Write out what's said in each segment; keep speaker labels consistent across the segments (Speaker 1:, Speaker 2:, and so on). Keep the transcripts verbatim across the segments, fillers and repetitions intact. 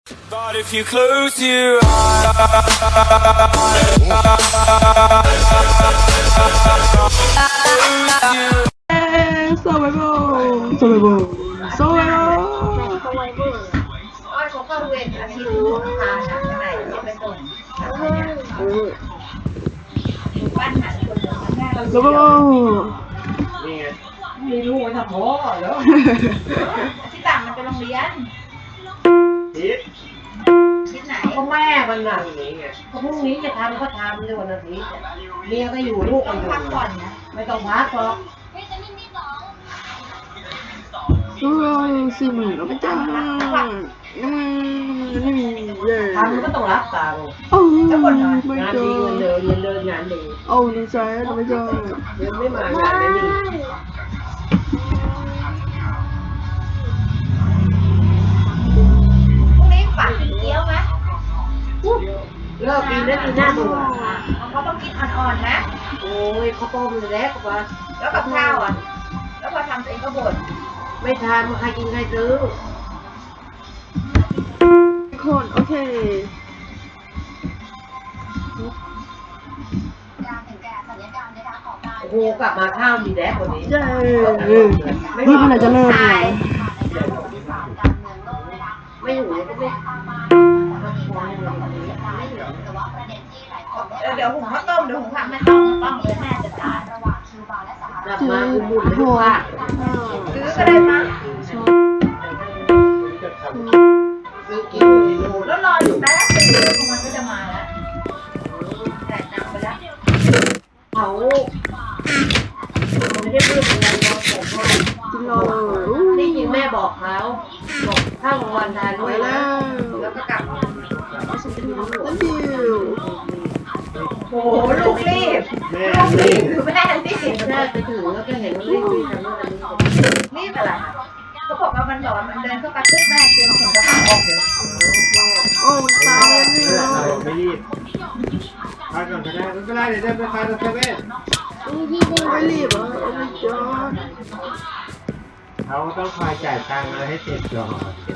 Speaker 1: But if you close your eyes,
Speaker 2: survival survival survival
Speaker 3: อ้อยเขาเข้าเวรอาทิตย์หัวพาทางไหนจะไปส่งบ้านหาคนเดินแม่
Speaker 2: survival
Speaker 4: มีลูกมาทำหมอแล้ว
Speaker 3: ที่ต่างมันเป็นโรงเรียน
Speaker 4: ทิศ
Speaker 3: ที่ไหน
Speaker 4: ก็แม่มันน่ะก็พรุ่งนี้จะทำก็ทำในวันอาทิตย์เมียก็อยู่ลูกก็อยู่
Speaker 3: พักก่อนนะ
Speaker 4: ไม่ต้องพักหรอก
Speaker 2: survival สี่หมื่นแล้วไม่จ้าน้ำมันไม่มีเย้
Speaker 4: ทำก็ต้องรับตังค์
Speaker 2: โอ้ไม่
Speaker 4: งาน
Speaker 2: เจ
Speaker 4: ดี
Speaker 2: อ
Speaker 4: เงินเดินเงินเดินงานดี
Speaker 2: โอ้ดีใจเราไม่เจอ
Speaker 4: เงินไม่มางานไม่ดี
Speaker 3: พรุ่งนี้ฝากกินเกี๊ยวไหม
Speaker 4: เลิกกินแล้วกินหน้าเบื่อ
Speaker 3: เขาต้องกินอ่อนๆนะ
Speaker 4: โอ้ยข้าวต้มเลยแล้วก็ว่า
Speaker 3: แล้วกับข้าวอ่ะ แล้วพอทำเองก็บ่น
Speaker 4: ไม่ทานใครกินใครซื้อ
Speaker 2: คนโอเค
Speaker 4: โอ้โหกลับมาข้าวดีแล้ววันนี้
Speaker 2: เย้นี่มันจะเริ่มเลย
Speaker 4: ไม่หูก็ไม่
Speaker 3: เดี๋ยวหุงข้าวต้มเดี๋ยวหุงผักไม่ต้องต้องเลยแม่จัดการ
Speaker 4: กลับมาอุ่นๆเลยว่า
Speaker 3: ซื้อก็ได้มั้ง
Speaker 4: ซื้อกินกิโล
Speaker 3: แล้วรออยู่แป๊บนึงมันก็จะมาแล้วแต่ตังไปแล้ว
Speaker 4: เขาไม่ได้พูดอะไรเราผมว่า
Speaker 2: กินรอเลย
Speaker 4: นี่จริงแม่บอกเขาบอกถ้ากลางวันทาน
Speaker 2: ไป
Speaker 4: ด้วย
Speaker 2: แล้
Speaker 4: นะ
Speaker 2: ว
Speaker 3: แล้วก็กลับ
Speaker 2: thank you
Speaker 3: โอ้โหลูกรีบ
Speaker 4: แม่
Speaker 3: ลูกรี
Speaker 4: รี
Speaker 3: บบ คือแม่รีบ
Speaker 4: แม่ไปถึงแล้วก็เห็นรีบรีบทำนู่นทำนี่
Speaker 3: รีบอะไรเขาบอกว่ามันบอกว่ามันเดินเข้าไปปุ๊บแม่เตรียมถุงกระเป๋าออกเลย
Speaker 2: โอ้ตายแล้วนี่
Speaker 5: ไม่รีบพักก่อนก็ได้ไม่เป็นไรเดี๋ยวจะไปทานเซเว่น
Speaker 2: ไม่รีบอ่ะโอ้ไม่จอด
Speaker 5: เขาต้องคอยจ่ายตังค์มาให้เสร็จก่อน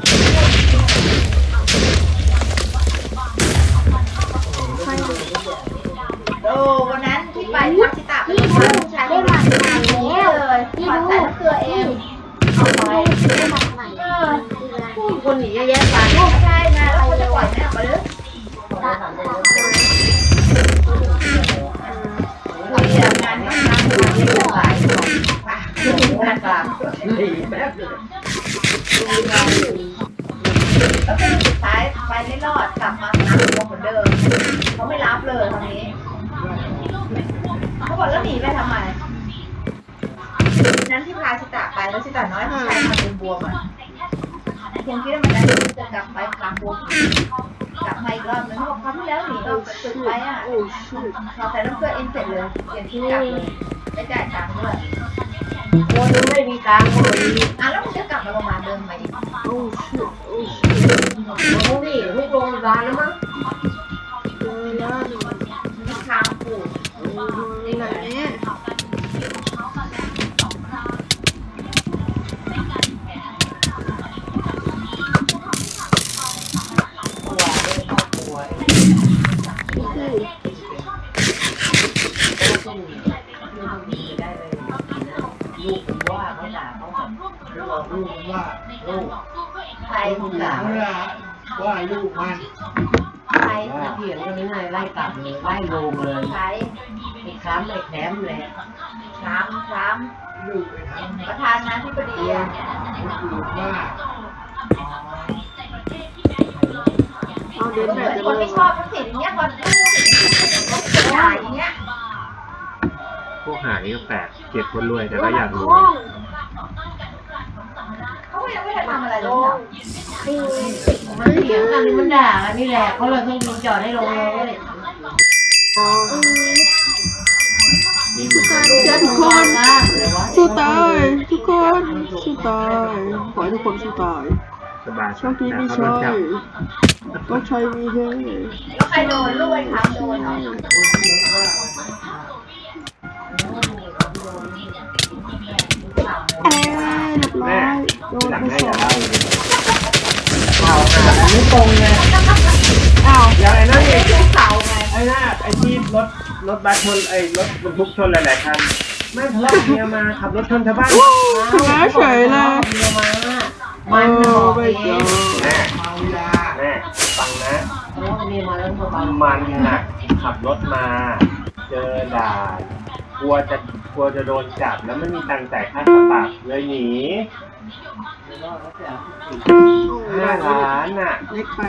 Speaker 3: โอ้วันนั้นที่ไปพักที่ตากเป็นผู้ชายคนนั้นเลยขอใส่น้ำเกลือเองเอาไปเออ
Speaker 4: คนหนีเยอะแยะไป
Speaker 3: ใช่นะแล้วคนจะปล่อยแม่ออกมาเลยคุยงานต้องทำงานที่จะขายงาน
Speaker 4: ตามหนีแป๊บเลย
Speaker 3: แล้วก็สุดท้ายไปไม่รอดกลับมาหาตัวเหมือนเดิมเขาไม่รับเลยตอนนี้เขาบอกแล้วหนีไปทำไมนั้นที่พาชิตะไปแล้วชิตะน้อยผู้ชายมาเป็นบวมอ่ะคงคิดว่ามันจะกลับไปพาบวมกลับมาอีกรอบนึงเขาบอกครั้งที่แล้วหนีออกจากตึกไปอ่ะ
Speaker 2: โอ้ชิต
Speaker 3: พอใส่น้ำเกลือเองเสร็จเลยเปลี่ยนที่กลับเลยได้จ่ายตังค์ด้วย
Speaker 4: คนไม่มีตังค์ก็ไม่มี
Speaker 3: อ่ะแล้วมันจะกลับมาโรงพยาบาลเดิมไหม
Speaker 2: โอ้ชิตโอ้ชิต
Speaker 4: โอ้นี่ทุกโรงพยาบาลแล้วมั้ง
Speaker 2: เจอแล้ว
Speaker 3: มีคางปูด
Speaker 2: โอ้ยไหนเนี่ย
Speaker 4: ป่วย
Speaker 2: โอเค
Speaker 4: ต้องมีลูกมีได้เลยลูกผมว่าเขาด่าเขาแบบ
Speaker 5: แล้วบอกลูกมันว่าลูก
Speaker 3: ใคร
Speaker 4: ลูกด่า
Speaker 5: เวลาว่าลูกมัน
Speaker 3: ใคร
Speaker 4: เถียงกันนี่ไงไล่กลับเลยไล่ลงเลย
Speaker 3: ใคร
Speaker 4: ไอ้ค้ำไอ้แถมเลย
Speaker 3: คล้ำคล้
Speaker 5: ลูกไปทำ
Speaker 3: ำประธานาธิบดีอ่ะ
Speaker 5: ลูกว่า
Speaker 2: เอาเดิน
Speaker 3: เห
Speaker 2: แบ
Speaker 3: มื
Speaker 2: บ
Speaker 3: อน
Speaker 2: จะ
Speaker 3: คน
Speaker 2: เริ่
Speaker 3: ไม่
Speaker 2: ม
Speaker 3: ชอบทักษิณอย่างเงี้ยคนด่าอย่างเงี้ย
Speaker 6: พวกหานี่ก็แปลกเกลียดคนรวยแต่ก็อยากรวย
Speaker 3: เขาก็ยังไม่ได้ทำอะไรเลย
Speaker 4: มันเถียงกันนี่มันด่ากันนี่แหละเขาเลยต้องยิงจอดให้ลงเลย
Speaker 2: อ๋อ
Speaker 6: นี่เหมือนกัน
Speaker 2: เจ้าทุกคนสู้ตายทุกคนสู้ตายขอให้ทุกคนสู้ตาย
Speaker 6: สบาย
Speaker 2: โชคดีมี
Speaker 6: เขา
Speaker 2: ชั
Speaker 6: โดน
Speaker 2: ย
Speaker 6: จับ
Speaker 2: ก็ชัยมีเฮ้
Speaker 3: แล้วใครโดนลูกไอ้คำโดนเหรอ
Speaker 2: เอ้ยเรียบร้อยโดน
Speaker 6: หลัง
Speaker 2: ไป
Speaker 6: ได้
Speaker 2: ส
Speaker 6: อ
Speaker 2: อย่าง
Speaker 6: เล่าเลย
Speaker 4: ข่าวหา
Speaker 5: ไม่ตรงไง
Speaker 2: อ้าว
Speaker 5: อย่างไอ้นั่นเอง
Speaker 3: ภูเขาไง
Speaker 5: ไอ้น่าไอ้ที่รถรถบัสชนไอ้รถบรรทุกชนหลายๆคันไม่ทะเลาะกับเมียมาขับรถชนชาวบ้าน
Speaker 2: ชนะเฉยเลย
Speaker 4: เมียมามันบอกเอง
Speaker 5: แม่แม่ฟังนะ
Speaker 4: เพราะว่าเมียมาแล้วมาบัง
Speaker 5: มันน่ะขับรถมา เจอด่านกลัวจะกลัวจะโดนจับแล้วไม่มีตังค์จ่ายค่าปรับเลยหนีห้าล้านน่ะ
Speaker 2: เล็กไป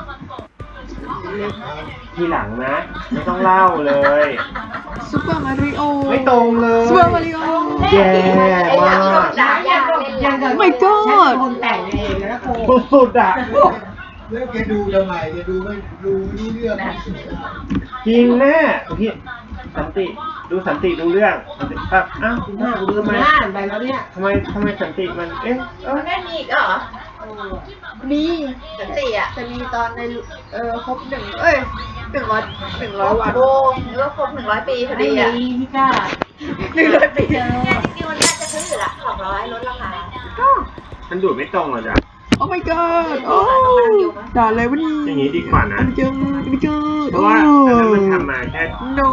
Speaker 5: ทีหลังนะ ไม่ต้องเล่าเลย
Speaker 2: ซูเปอร์มาริโอ
Speaker 5: ไม่ตรงเลย
Speaker 2: ซูเปอร์มาริโอ
Speaker 5: แย่มาก
Speaker 3: ด่าอย่างเล่น
Speaker 4: ยังกับ
Speaker 2: My God
Speaker 4: คนแต่งเองนะโค
Speaker 5: สุดๆอ่ะ
Speaker 7: แล้วแกดูทำไมแกดูไม่ดูไม่รู้เรื่อง
Speaker 5: จริงแม่พี่สันติดูสันติดูเรื่องสันติครับอ้าวคุณพ่อคุณดูทำไม
Speaker 4: หน้าไปแล้วเนี่ย
Speaker 5: ทำไมทำไมสันติมันเอ๊ะเออ
Speaker 3: มันไม่มีอีกเหรอ
Speaker 2: มี
Speaker 3: สันติอ่ะ
Speaker 2: จะมีตอนในเออครบหนึ่งเอ้ยหนึ่งร้อยหนึ่งร้อยวัน
Speaker 3: โบหรือว่าครบหนึ่งร้อยปีพอ
Speaker 4: ไม่
Speaker 3: ดี
Speaker 4: มี
Speaker 3: อ่ะ
Speaker 4: ที่กล้า
Speaker 2: หนึ่งร้อยปี
Speaker 4: เจอ
Speaker 3: เนี่ยจริงๆมันน่าจะซื้ออยู่ละสองร้อยลดราคา
Speaker 5: มันดูดไม่ตรงเหรอจ๊ะ
Speaker 2: โอ้ my god โอ้ด่าอะไรวะนี่
Speaker 5: อย่างนี้ดีกว่านะ
Speaker 2: ไม่เจอไม่เจอ
Speaker 5: เพราะว่าอันนั้นมันทำมาแค่
Speaker 2: no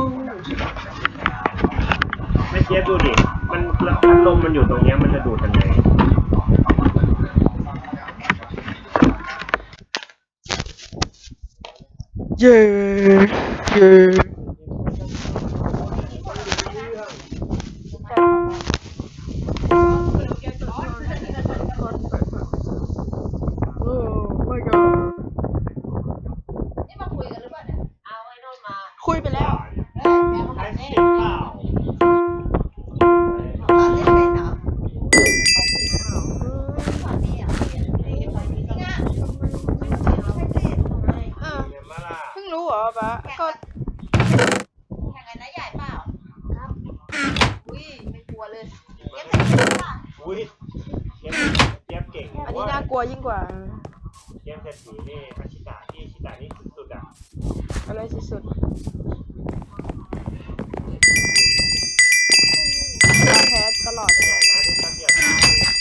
Speaker 5: ไม่เจี๊ยบดูดิมันพัดลมมันอยู่ตรงเนี้ยมันจะดูดยังไง
Speaker 2: เย้เย้โอ้ my god
Speaker 3: นี่มาคุยกันหรือเปล่าเนี่ย
Speaker 4: เอาไอ้นนมา
Speaker 2: คุยไปแล้ว
Speaker 5: ใช้สิบเปล่า
Speaker 3: สอนเล่นเป็นเหรอสอนนี่อ่ะจริงอ่ะ
Speaker 2: เออ
Speaker 5: เห็นไหมล่ะ
Speaker 2: เพิ่งรู้เหรอปะก็
Speaker 3: แข่งกันนะใหญ่เปล่าครับอุ้ยไม่กลัวเลยเก็บเสร็จแล้วป่ะ
Speaker 5: อุ้ยเจี๊ยบเจี๊ยบเก่ง
Speaker 2: อันนี้น่ากลัวยิ่งกว่า
Speaker 5: เจี๊ยบเศรษฐีนี่อาชิตะที่อาชิตะนี่สุดๆอ่ะ
Speaker 2: อะไรสุดๆแพ้ตลอด
Speaker 5: ใหญ่นะที่แป๊บเดียวตาย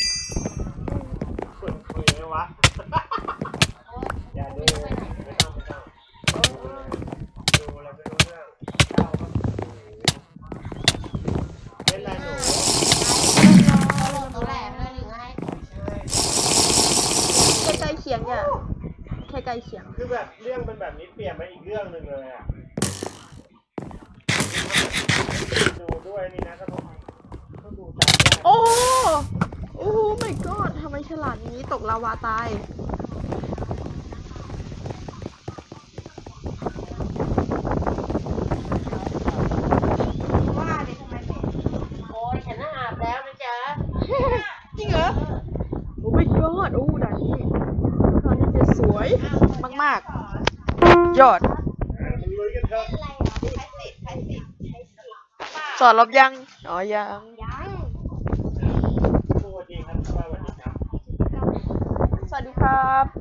Speaker 5: คุยคุยไหมวะ อย่าดูไม่ต้องไม่ต้องดูอะไรไม่รู้เรื่องเล่าก็เล่นอะไรหนู
Speaker 3: ตัวแรกไม่ได้หรือไง
Speaker 2: แค่ใกล้เคียงเนี่ยแค่ใกล้เคียง
Speaker 5: คือแบบเรื่องเป็นแบบนี้เปลี่ยนไปอีกเรื่องหนึ่งเลยอ่ะดูด้วยนี่นะก็ต้องต้องดูตามยาก
Speaker 2: โอ้โอ้ my god ทำไมฉลาดนี้ตกลาวาตาย
Speaker 3: ว่าเด็กทำไมเป็น
Speaker 4: โอ้ยฉันน่ะอาบแล้วนะจ๊ะ
Speaker 2: จริงเหรอ โอ้ my god โอ้ด่านนี้ด่านนี้จะสวยมากๆ ยอด
Speaker 5: มันลุยกันเถอะ
Speaker 3: อะไรอ่ะใช้สิทธิ์ใช้สิทธิ์ใช้สิทธิ์
Speaker 2: สอนรบยัง อ๋อ ยัง
Speaker 3: ยัง
Speaker 5: สวัสดีครับสวัสดีครับ
Speaker 2: สวัสดีครับ